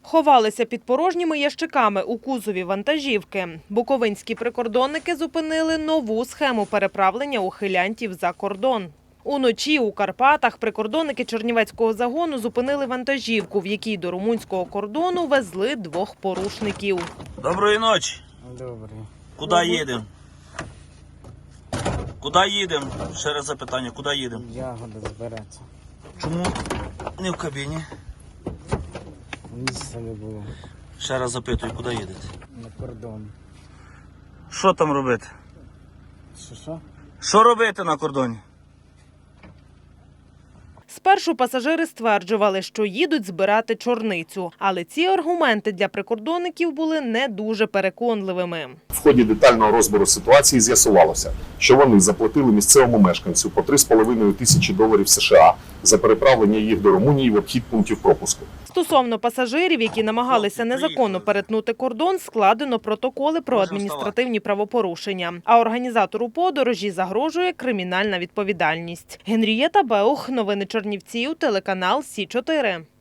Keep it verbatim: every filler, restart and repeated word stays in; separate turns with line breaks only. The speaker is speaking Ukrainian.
Ховалися під порожніми ящиками у кузові вантажівки. Буковинські прикордонники зупинили нову схему переправлення ухилянтів за кордон. Уночі у Карпатах прикордонники Чернівецького загону зупинили вантажівку, в якій до румунського кордону везли двох порушників.
Доброї ночі.
Добре.
Куди їдемо? Куди їдемо? Ще раз запитання, куди їдемо?
Ягоди збирати.
Чому не в кабіні?
Місця не було.
Ще раз запитую, куди їдете?
На кордон.
Що там робити?
Що що?
Що робити на кордоні?
Спершу пасажири стверджували, що їдуть збирати чорницю. Але ці аргументи для прикордонників були не дуже переконливими.
В ході детального розбору ситуації з'ясувалося, що вони заплатили місцевому мешканцю по три з половиною тисячі доларів США за переправлення їх до Румунії в обхід пунктів пропуску.
Стосовно пасажирів, які намагалися незаконно перетнути кордон, складено протоколи про адміністративні правопорушення. А організатору подорожі загрожує кримінальна відповідальність. Генрієта Беух, новини Чернівців, телеканал Сі чотири.